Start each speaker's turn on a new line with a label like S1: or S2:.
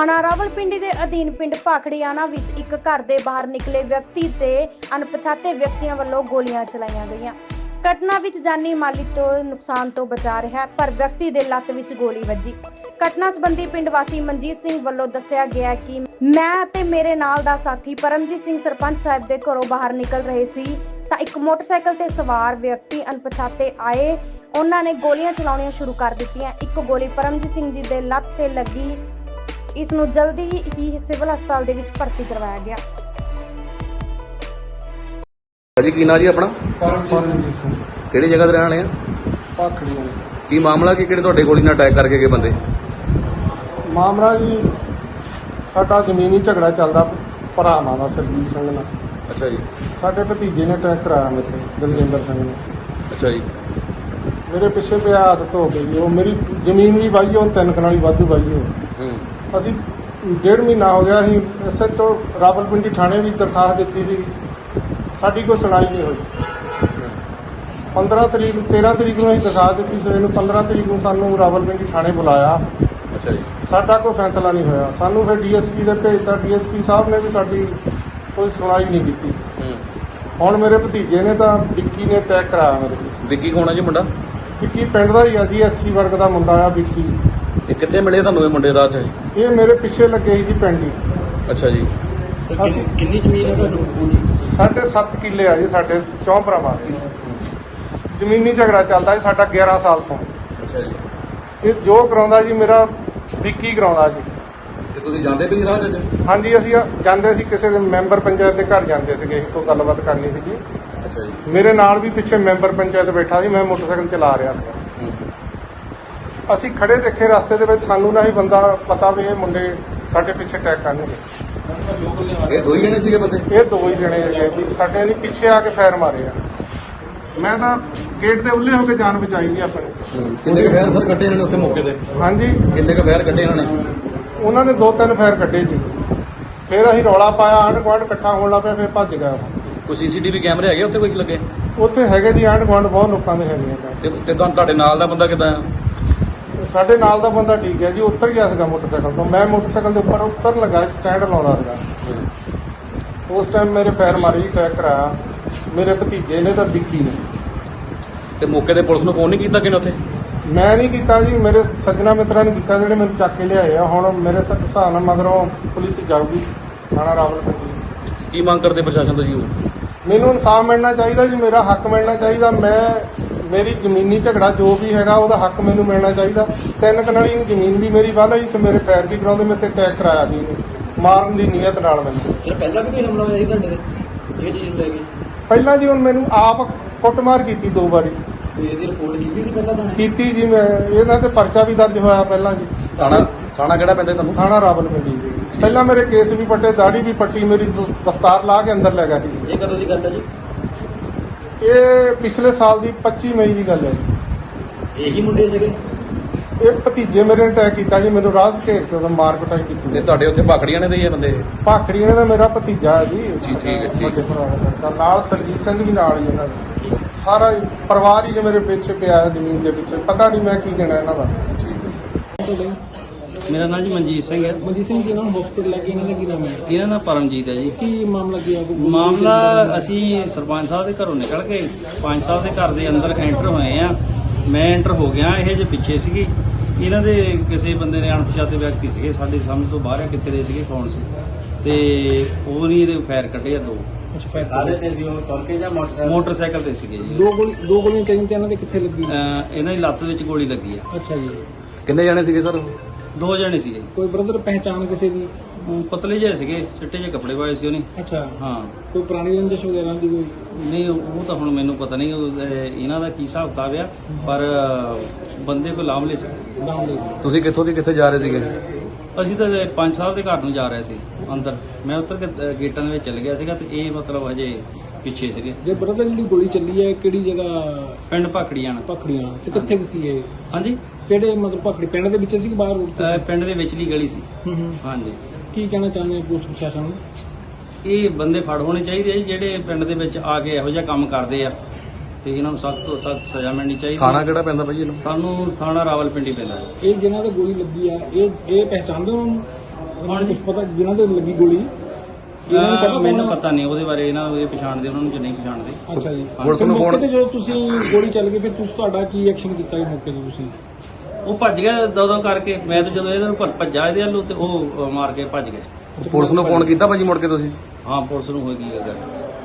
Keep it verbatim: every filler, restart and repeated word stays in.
S1: ਥਾਣਾ ਰਾਵਲਪਿੰਡੀ ਦੇ ਅਧੀਨ ਪਿੰਡ ਭਾਖੜੀਆਣਾ ਵਿੱਚ ਇੱਕ ਘਰ ਦੇ ਬਾਹਰ ਨਿਕਲੇ ਵਿਅਕਤੀ ਤੇ ਅਣਪਛਾਤੇ ਵਿਅਕਤੀਆਂ ਵੱਲੋਂ ਗੋਲੀਆਂ ਚਲਾਈਆਂ ਗਈਆਂ। ਘਟਨਾ ਵਿੱਚ ਜਾਨੀ ਮਾਲੀ ਤੋਂ ਨੁਕਸਾਨ ਤੋਂ ਬਚਾ ਰਿਹਾ, ਪਰ ਵਿਅਕਤੀ ਦੇ ਲੱਤ ਵਿੱਚ ਗੋਲੀ ਵੱਜੀ। ਘਟਨਾ ਸੰਬੰਧੀ ਪਿੰਡ ਵਾਸੀ ਮਨਜੀਤ ਸਿੰਘ ਵੱਲੋਂ ਦੱਸਿਆ ਗਿਆ ਕਿ ਮੈਂ ਅਤੇ ਮੇਰੇ ਨਾਲ ਦਾ ਸਾਥੀ ਪਰਮਜੀਤ ਸਿੰਘ ਸਰਪੰਚ ਸਾਹਿਬ ਦੇ ਘਰੋਂ ਬਾਹਰ ਨਿਕਲ ਰਹੇ ਸੀ ਤਾਂ ਇੱਕ ਮੋਟਰਸਾਈਕਲ ਤੇ ਸਵਾਰ ਵਿਅਕਤੀ ਅਣਪਛਾਤੇ ਆਏ। ਉਹਨਾਂ ਨੇ ਗੋਲੀਆਂ ਚਲਾਉਣੀਆਂ ਸ਼ੁਰੂ ਕਰ ਦਿੱਤੀਆਂ। ਇੱਕ ਗੋਲੀ ਪਰਮਜੀਤ ਸਿੰਘ ਜੀ ਦੇ ਲੱਤ ਤੇ ਲੱਗੀ। ਇਸ ਨੂੰ ਜਲਦੀ ਹੀ ਸਿਵਲ ਹਸਪਤਾਲ ਦੇ ਵਿੱਚ ਭਰਤੀ ਕਰਵਾਇਆ ਗਿਆ।
S2: ਜੀ ਕੀ ਨਾਂ ਜੀ ਆਪਣਾ?
S3: ਪਰਮਜੀਤ ਸਿੰਘ।
S2: ਕਿਹੜੀ ਜਗ੍ਹਾ ਤੇ ਰਹਿਣ ਵਾਲੇ ਆ?
S3: ਭਾਖੜੀਆਂ।
S2: ਕੀ ਮਾਮਲਾ ਕੀ ਕਿਹੜੇ ਤੁਹਾਡੇ ਗੋਲੀ ਨਾਲ ਅਟੈਕ ਕਰਕੇ ਗਏ ਬੰਦੇ?
S3: ਮਾਮਲਾ ਜੀ ਸਾਡਾ ਜ਼ਮੀਨੀ ਝਗੜਾ ਚੱਲਦਾ ਭਰਾਵਾਂ ਦਾ ਸਰਜੀਤ ਸਿੰਘ ਨਾਲ।
S2: ਅੱਛਾ ਜੀ।
S3: ਸਾਡੇ ਭਤੀਜੇ ਨੇ ਅਟੈਕ ਕਰਾਇਆ ਮੇਰੇ ਦਲਜਿੰਦਰ ਸਿੰਘ ਨੇ।
S2: ਅੱਛਾ ਜੀ।
S3: ਮੇਰੇ ਪਿੱਛੇ ਪਿਆ ਆਦਤ ਹੋ ਗਈ। ਉਹ ਮੇਰੀ ਜ਼ਮੀਨ ਵੀ ਵਾਹੀ, ਉਹ ਤਿੰਨ ਕਨਾਲੀ ਵਾਧੂ ਵਾਹੀ ਹੋ।
S2: ਹੂੰ।
S3: ਅਸੀਂ ਡੇਢ ਮਹੀਨਾ ਹੋ ਗਿਆ ਅਸੀਂ ਐਸ ਐਚ ਓ ਰਾਵਲਪਿੰਡੀ ਥਾਣੇ ਵੀ ਦਰਖਾਸਤ ਦਿੱਤੀ ਸੀ, ਸਾਡੀ ਕੋਈ ਸੁਣਾਈ ਨਹੀਂ ਹੋਈ। ਪੰਦਰਾਂ ਤਰੀਕ ਤੇਰਾਂ ਤਰੀਕ ਨੂੰ ਅਸੀਂ ਦਰਖਾਸਤ ਦਿੱਤੀ ਸੀ, ਇਹਨੂੰ ਪੰਦਰਾਂ ਤਰੀਕ ਨੂੰ ਸਾਨੂੰ ਰਾਵਲਪਿੰਡੀ ਥਾਣੇ ਬੁਲਾਇਆ।
S2: ਅੱਛਾ ਜੀ।
S3: ਸਾਡਾ ਕੋਈ ਫੈਸਲਾ ਨਹੀਂ ਹੋਇਆ। ਸਾਨੂੰ ਫਿਰ ਡੀ ਐਸ ਪੀ ਦੇ ਭੇਜਤਾ। ਡੀ ਐਸ ਪੀ ਸਾਹਿਬ ਨੇ ਵੀ ਸਾਡੀ ਕੋਈ ਸੁਣਾਈ ਨਹੀਂ ਕੀਤੀ।
S2: ਹੂੰ।
S3: ਹੁਣ ਮੇਰੇ ਭਤੀਜੇ ਨੇ ਤਾਂ ਵਿੱਕੀ ਨੇ ਅਟੈਕ ਕਰਾਇਆ ਮੇਰੇ ਤੇ।
S2: ਵਿੱਕੀ ਕੌਣ ਆ ਜੀ ਮੁੰਡਾ?
S3: ਵਿੱਕੀ ਪਿੰਡ ਦਾ ਹੀ ਆ ਜੀ, ਐਸ ਸੀ ਵਰਗ ਦਾ ਮੁੰਡਾ ਆ ਵਿੱਕੀ।
S2: ਇਹ ਕਿੱਥੇ ਮਿਲੇ ਤੁਹਾਨੂੰ ਇਹ ਮੁੰਡੇ ਰਾਹ 'ਚ?
S3: ਇਹ ਮੇਰੇ ਪਿੱਛੇ ਲੱਗੇ ਸੀ ਜੀ ਪਿੰਡ ਹੀ।
S2: ਅੱਛਾ ਜੀ।
S3: ਅਸੀਂ
S4: ਕਿੰਨੀ ਜ਼ਮੀਨ ਹੈ ਤੁਹਾਨੂੰ?
S3: ਸਾਢੇ ਸੱਤ ਕਿੱਲੇ ਆ ਜੀ ਸਾਡੇ ਚੌਂ ਭਰਾਵਾਂ ਦੀ। ਜ਼ਮੀਨੀ ਝਗੜਾ ਚੱਲਦਾ ਜੀ ਸਾਡਾ ਗਿਆਰਾਂ ਸਾਲ ਤੋਂ।
S2: ਅੱਛਾ ਜੀ।
S3: ਇਹ ਜੋ ਕਰਾਉਂਦਾ ਜੀ ਮੇਰਾ ਵਿੱਕੀ ਕਰਾਉਂਦਾ ਜੀ।
S2: ਤੇ ਤੁਸੀਂ ਜਾਂਦੇ ਪਏ ਰਾਹ 'ਚ?
S3: ਹਾਂਜੀ, ਅਸੀਂ ਜਾਂਦੇ ਸੀ ਕਿਸੇ ਦੇ ਮੈਂਬਰ ਪੰਚਾਇਤ ਦੇ ਘਰ ਜਾਂਦੇ ਸੀਗੇ, ਕੋਈ ਗੱਲਬਾਤ ਕਰਨੀ ਸੀਗੀ।
S2: ਅੱਛਾ ਜੀ।
S3: ਮੇਰੇ ਨਾਲ ਵੀ ਪਿੱਛੇ ਮੈਂਬਰ ਪੰਚਾਇਤ ਬੈਠਾ ਸੀ, ਮੈਂ ਮੋਟਰਸਾਈਕਲ ਚਲਾ ਰਿਹਾ ਸੀ। ਅਸੀਂ ਖੜੇ ਦੇਖੇ ਰਸਤੇ ਦੇ ਵਿੱਚ, ਸਾਨੂੰ ਨਾ ਹੀ ਬੰਦਾ ਪਤਾ ਵੀ ਇਹ ਮੁੰਡੇ ਸਾਡੇ ਪਿੱਛੇ ਅਟੈਕ ਕਰਨਗੇ।
S2: ਇਹ ਦੋ ਹੀ ਜਣੇ ਸੀਗੇ ਬੰਦੇ?
S3: ਇਹ ਦੋ ਹੀ ਜਣੇ ਹੈਗੇ ਵੀ ਸਾਡੇ ਨੇ ਪਿੱਛੇ ਆ ਕੇ ਫਾਇਰ ਮਾਰੇ ਆ। ਮੈਂ ਤਾਂ ਗੇਟ ਦੇ ਉੱਲੇ ਹੋ ਕੇ ਜਾਨ ਬਚਾਈ ਜੀ ਆਪਣੀ।
S2: ਕਿੰਨੇ ਕੁ ਫਾਇਰ ਸਰ ਕੱਢੇ ਇਹਨਾਂ ਨੇ ਉੱਥੇ ਮੌਕੇ ਤੇ?
S3: ਹਾਂਜੀ,
S2: ਕਿੰਨੇ ਕੁ ਫਾਇਰ ਕੱਢੇ ਇਹਨਾਂ ਨੇ?
S3: ਉਹਨਾਂ ਨੇ ਦੋ ਤਿੰਨ ਫਾਇਰ ਕੱਢੇ ਜੀ। ਫਿਰ ਅਸੀਂ ਰੌਲਾ ਪਾਇਆ, ਆਂਢ ਗੁਆਂਢ ਇਕੱਠਾ ਹੋਣ ਲੱਗ ਪਿਆ, ਫਿਰ ਭੱਜ ਗਿਆ ਉਹ।
S2: ਕੋਈ ਸੀਸੀਟੀਵੀ ਕੈਮਰੇ ਹੈਗੇ ਉੱਥੇ ਕੋਈ ਲੱਗੇ?
S3: ਉੱਥੇ ਹੈਗੇ ਜੀ, ਆਂਢ ਗੁਆਂਢ ਬਹੁਤ ਲੋਕਾਂ ਦੇ ਹੈਗੇ ਆ।
S2: ਤੇ ਤੇ ਤੁਹਾਨੂੰ ਤੁਹਾਡੇ ਨਾਲ ਦਾ ਬੰਦਾ ਕਿੱਦਾਂ ਆ?
S3: ਸਾਡੇ ਨਾਲ ਦਾ ਬੰਦਾ ਠੀਕ ਹੈ ਜੀ, ਉੱਤਰ ਗਿਆ ਸੀਗਾ ਮੋਟਰਸਾਈਕਲ ਤੋਂ। ਮੈਂ ਮੋਟਰਸਾਈਕਲ ਦੇ ਉੱਪਰ ਉੱਤਰ ਲੱਗਾ, ਸਟੈਂਡ ਲਾਉਂਦਾ ਸੀਗਾ। ਉਸ ਟਾਈਮ ਮੇਰੇ ਫਾਇਰ ਮਾਰੀ, ਅਟੈਕ ਕਰਾਇਆ ਮੇਰੇ ਭਤੀਜੇ ਨੇ ਤਾਂ ਵਿੱਕੀ ਨੇ।
S2: ਤੇ ਮੌਕੇ ਤੇ ਪੁਲਿਸ ਨੂੰ ਫੋਨ ਨਹੀਂ ਕੀਤਾ ਕਿਨੇ ਉੱਥੇ?
S3: ਮੈਂ ਨਹੀਂ ਕੀਤਾ ਜੀ, ਮੇਰੇ ਸੱਜਣਾ ਮਿੱਤਰਾਂ ਨੇ ਕੀਤਾ ਜਿਹੜੇ ਮੈਨੂੰ ਚੱਕ ਕੇ ਲਿਆਏ ਆ। ਹੁਣ ਮੇਰੇ ਹਿਸਾਬ ਨਾਲ ਮਗਰੋਂ ਪੁਲਿਸ ਜਾਊਗੀ ਥਾਣਾ ਰਾਵਲਪਿੰਡੀ।
S2: ਕੀ ਮੰਗ ਕਰਦੇ ਪ੍ਰਸ਼ਾਸਨ ਤੋਂ ਜੀ?
S3: ਮੈਨੂੰ ਇਨਸਾਫ ਮਿਲਣਾ ਚਾਹੀਦਾ ਜੀ, ਮੇਰਾ ਹੱਕ ਮਿਲਣਾ ਚਾਹੀਦਾ। ਮੈਂ ਮੇਰੀ ਜ਼ਮੀਨੀ ਝਗੜਾ ਜੋ ਵੀ ਹੈਗਾ ਉਹਦਾ ਹੱਕ ਮੈਨੂੰ ਮਿਲਣਾ ਚਾਹੀਦਾ। ਤਿੰਨ ਕਨਾਲੀ ਜ਼ਮੀਨ ਵੀ ਮੇਰੀ ਵਾਲਾ ਜੀ, ਤੇ ਮੇਰੇ ਫਾਇਰ ਵੀ ਕਰਾਉਂਦੇ, ਮੇਰੇ ਤੇ ਅਟੈਕ ਕਰਾਇਆ ਜੀ ਮਾਰਨ ਦੀ ਨੀਅਤ ਨਾਲ ਮੈਨੂੰ।
S4: ਸਰ ਪਹਿਲਾਂ ਵੀ ਕੋਈ ਹਮਲਾ ਹੋਇਆ ਸੀ ਤੁਹਾਡੇ ਤੇ ਇਹ ਚੀਜ਼ ਲੈ ਕੇ?
S3: ਪਹਿਲਾਂ ਜੀ ਹੁਣ ਮੈਨੂੰ ਆਪ ਕੁੱਟਮਾਰ ਕੀਤੀ ਦੋ ਵਾਰੀ।
S4: ਤੇ ਇਹਦੀ ਰਿਪੋਰਟ ਕੀਤੀ ਸੀ ਪਹਿਲਾਂ ਤੁਹਾਨੂੰ?
S3: ਕੀਤੀ ਜੀ, ਮੈਂ ਇਹਨਾਂ ਤੇ ਪਰਚਾ ਵੀ ਦਰਜ ਹੋਇਆ ਪਹਿਲਾਂ ਜੀ।
S2: ਥਾਣਾ ਥਾਣਾ ਕਿਹੜਾ ਪੈਂਦਾ ਤੁਹਾਨੂੰ?
S3: ਥਾਣਾ ਰਾਵਲਪਿੰਡੀ ਜੀ। ਪਹਿਲਾਂ ਮੇਰੇ ਕੇਸ ਵੀ ਪੱਟੇ, ਦਾੜੀ ਵੀ ਪੱਟੀ, ਮੇਰੀ ਦਸਤਾਰ ਲਾ ਕੇ ਅੰਦਰ ਲੈ ਗਿਆ ਸੀ।
S4: ਇਹ ਕਦੋਂ ਦੀ ਗੱਲ ਹੈ ਜੀ?
S3: ਇਹ ਪਿਛਲੇ ਸਾਲ ਦੀ ਪੱਚੀ ਮਈ ਦੀ ਗੱਲ ਹੈ ਜੀ।
S4: ਇਹੀ ਮੁੰਡੇ ਸੀਗੇ?
S3: ਇਹ ਭਤੀਜੇ ਮੇਰੇ ਨੇ ਅਟੈਕ ਕੀਤਾ ਜੀ, ਮੈਨੂੰ ਰਾਹ 'ਚ ਘੇਰ ਕੇ ਉਹਦਾ ਮਾਰ ਕੁਟਾਈ ਕੀਤੀ।
S2: ਇਹ ਤੁਹਾਡੇ ਉੱਥੇ ਭਾਖੜੀਆਂ ਨੇ ਦੇ ਹੀ ਆ ਬੰਦੇ?
S3: ਭਾਖੜੀ ਇਹਨਾਂ ਦਾ ਮੇਰਾ ਭਤੀਜਾ ਹੈ ਜੀ।
S2: ਜੀ ਠੀਕ ਹੈ, ਠੀਕ।
S3: ਵੱਡੇ ਭਰਾ ਦਾ ਲੜਕਾ, ਨਾਲ ਸਰਜੀਤ ਸਿੰਘ ਵੀ ਨਾਲ ਹੀ ਇਹਨਾਂ ਦਾ। ਸਾਰਾ ਹੀ ਪਰਿਵਾਰ ਹੀ ਮੇਰੇ ਪਿੱਛੇ ਪਿਆ ਹੈ ਜ਼ਮੀਨ ਦੇ ਪਿੱਛੇ। ਪਤਾ ਨਹੀਂ ਮੈਂ ਕੀ ਦੇਣਾ ਇਹਨਾਂ ਦਾ।
S5: ਮੇਰਾ ਨਾਮ ਜੀ ਮਨਜੀਤ ਸਿੰਘ ਹੈ।
S4: ਮਨਜੀਤ ਸਿੰਘ ਜੀ ਨਾਲ ਹਸਪੀਟਲ ਲੈ ਕੇ ਇਹਨਾਂ ਦਾ ਕੀ ਨਾਮ ਹੈ?
S5: ਇਹਨਾਂ ਦਾ ਪਰਮਜੀਤ ਹੈ ਜੀ।
S4: ਕੀ ਮਾਮਲਾ ਕੀ ਹੈ?
S5: ਮਾਮਲਾ ਅਸੀਂ ਸਰਪੰਚ ਸਾਹਿਬ ਦੇ ਘਰੋਂ ਨਿਕਲ ਕੇ ਪੰਜ ਸਾਹਿਬ ਦੇ ਘਰ ਦੇ ਅੰਦਰ ਐਂਟਰ ਹੋਏ ਆ। ਮੈਂ ਐਂਟਰ ਹੋ ਗਿਆ, ਇਹ ਜੇ ਪਿੱਛੇ ਸੀਗੇ। ਇਹਨਾਂ ਦੇ ਕਿਸੇ ਬੰਦੇ ਨੇ ਅਣਪਛਾਤੇ ਵਿਅਕਤੀ ਸੀਗੇ, ਸਾਡੇ ਸਮਝ ਤੋਂ ਬਾਹਰ ਆ ਕਿੱਥੇ ਦੇ ਸੀਗੇ, ਕੌਣ ਸੀ, ਤੇ ਉਹ ਨਹੀਂ ਇਹਦੇ ਫਾਇਰ ਕੱਢੇ ਆ ਦੋ।
S4: ਅੱਛਾ, ਫਾਇਰ ਕਾਹਦੇ ਤੇ ਸੀ ਉਹ? ਤੁਰ ਕੇ ਜਾਂ ਮੋਟਰਸਾਈਕਲ?
S5: ਮੋਟਰਸਾਈਕਲ ਤੇ ਸੀਗੇ ਜੀ।
S4: ਦੋ ਗੋਲੀ ਦੋ ਗੋਲੀਆਂ ਚਾਹੀਦੀਆਂ ਤੇ ਇਹਨਾਂ ਦੇ ਕਿੱਥੇ ਲੱਗੀ?
S5: ਅਹ ਇਹਨਾਂ ਦੀ ਲੱਤ ਵਿੱਚ ਗੋਲੀ ਲੱਗੀ ਆ।
S4: ਅੱਛਾ ਜੀ।
S2: ਕਿੰਨੇ ਜਣੇ ਸੀਗੇ ਸਰ?
S5: ਦੋ ਜਣੇ ਸੀਗੇ।
S4: ਕੋਈ ਬ੍ਰਦਰ ਪਹਿਚਾਣ ਕਿਸੇ ਦੀ?
S5: ਉਹ ਪਤਲੇ ਜਿਹੇ ਸੀਗੇ, ਚਿੱਟੇ ਜਿਹੇ ਕੱਪੜੇ ਪਾਏ ਸੀ ਉਹਨੇ।
S4: ਅੱਛਾ।
S5: ਹਾਂ।
S4: ਕੋਈ ਪੁਰਾਣੀ ਰੰਜਿਸ਼ ਵਗੈਰਾ ਦੀ ਕੋਈ?
S5: ਨਹੀਂ, ਉਹ ਤਾਂ ਹੁਣ ਮੈਨੂੰ ਪਤਾ ਨਹੀਂ ਉਹ, ਅਹ, ਇਹਨਾਂ ਦਾ ਕੀ ਹਿਸਾਬ ਕਿਤਾਬ ਆ, ਪਰ ਅਹ, ਬੰਦੇ ਕੋ ਲਾਮਲੇ ਸੀ।
S2: ਤੁਸੀਂ ਕਿੱਥੋਂ ਦੀ ਕਿੱਥੇ ਜਾ ਰਹੇ ਸੀਗੇ?
S5: ਅਸੀਂ ਤਾਂ ਪੰਜ ਸਾਹਿਬ ਦੇ ਘਰ ਨੂੰ ਜਾ ਰਹੇ ਸੀ ਅੰਦਰ। ਮੈਂ ਉੱਤਰ ਕੇ ਅਹ, ਗੇਟਾਂ ਦੇ ਵਿੱਚ ਚਲ ਗਿਆ ਸੀਗਾ, ਤੇ ਇਹ ਮਤਲਬ ਹਜੇ ਪਿੱਛੇ ਸੀਗੇ।
S4: ਜੇ ਬ੍ਰਦਰ ਜਿਹੜੀ ਗੋਲੀ ਚੱਲੀ ਹੈ ਕਿਹੜੀ ਜਗ੍ਹਾ?
S5: ਪਿੰਡ ਭਾਖੜੀਆਂ ਨਾਲ।
S4: ਪਖੜੀਆਂ ਤੇ ਕਿੱਥੇ ਕੁ ਸੀ ਇਹ?
S5: ਹਾਂਜੀ।
S4: ਕਿਹੜੇ ਮਤਲਬ ਪਖੜੀ ਪਿੰਡ ਦੇ ਵਿੱਚ ਸੀ ਕਿ ਬਾਹਰ ਰੋਡ ਤੇ?
S5: ਅਹ, ਪਿੰਡ ਦੇ ਵਿਚਲੀ ਗਲੀ ਸੀ।
S4: ਹੂੰ ਹੂੰ।
S5: ਹਾਂਜੀ।
S4: ਕੀ ਕਹਿਣਾ ਚਾਹੁੰਦੇ ਹੋ ਪੁਲਿਸ ਪ੍ਰਸ਼ਾਸਨ ਨੂੰ?
S5: ਇਹ ਬੰਦੇ ਫੜ ਹੋਣੇ ਚਾਹੀਦੇ ਆ ਜੀ, ਜਿਹੜੇ ਪਿੰਡ ਦੇ ਵਿੱਚ ਆ ਕੇ ਇਹੋ ਜਿਹਾ ਕੰਮ ਕਰਦੇ ਆ, ਤੇ ਇਹਨਾਂ ਨੂੰ ਸਖਤ ਤੋਂ ਸਖਤ ਸਜ਼ਾ ਮਿਲਣੀ ਚਾਹੀਦੀ।
S2: ਥਾਣਾ ਕਿਹੜਾ ਪੈਂਦਾ ਭਾਜੀ ਇਹਨੂੰ?
S5: ਸਾਨੂੰ ਥਾਣਾ ਰਾਵਲਪਿੰਡੀ ਪੈਂਦਾ ਹੈ।
S4: ਇਹ ਜਿਹਨਾਂ ਤੇ ਗੋਲੀ ਲੱਗੀ ਆ, ਇਹ ਇਹ ਪਹਿਚਾਣਦੇ ਹੋ ਉਹਨੂੰ? ਉਹਨਾਂ ਨੂੰ ਕੁਝ ਪਤਾ ਜਿਨ੍ਹਾਂ ਤੇ ਲੱਗੀ ਗੋਲੀ ਇਹਨਾਂ ਨੂੰ
S5: ਅਹ
S4: ਪਤਾ
S5: ਮੈਨੂੰ
S4: ਕੌਣ ਆ?
S5: ਪਤਾ ਨਹੀਂ ਉਹਦੇ ਬਾਰੇ, ਇਹਨਾਂ ਨੂੰ ਇਹ ਪਛਾਣਦੇ, ਉਹਨਾਂ ਨੂੰ ਜੇ ਨਹੀਂ ਪਛਾਣਦੇ।
S4: ਅੱਛਾ ਜੀ।
S2: ਪੁਲਿਸ ਨੂੰ
S4: ਮੌਕੇ
S2: ਫੋਨ-
S4: ਤੇ ਜਦੋਂ ਤੁਸੀਂ ਗੋਲੀ ਚੱਲ ਗਈ ਫਿਰ ਤੁਸੀਂ ਤੁਹਾਡਾ ਕੀ ਐਕਸ਼ਨ ਕੀਤਾ ਜੀ ਮੌਕੇ ਤੇ ਤੁਸੀਂ?
S5: ਉਹ ਭੱਜ ਗਿਆ ਦੋ ਦੋ ਕਰਕੇ, ਮੈਂ ਤਾਂ ਜਦੋਂ ਇਹਨਾਂ ਨੂੰ ਭੱਜ- ਭੱਜਾ ਇਹਦੇ ਵੱਲੋਂ ਤੇ ਉਹ ਅਹ, ਮਾਰ ਕੇ ਭੱਜ ਗਏ।
S2: ਪੁਲਿਸ ਨੂੰ ਫੋਨ ਕੀਤਾ ਭਾਜੀ ਮੁੜ ਕੇ ਤੁਸੀਂ?
S5: ਹਾਂ ਪੁਲਿਸ ਨੂੰ ਹੋਈ ਕੀ ਗੱਲ।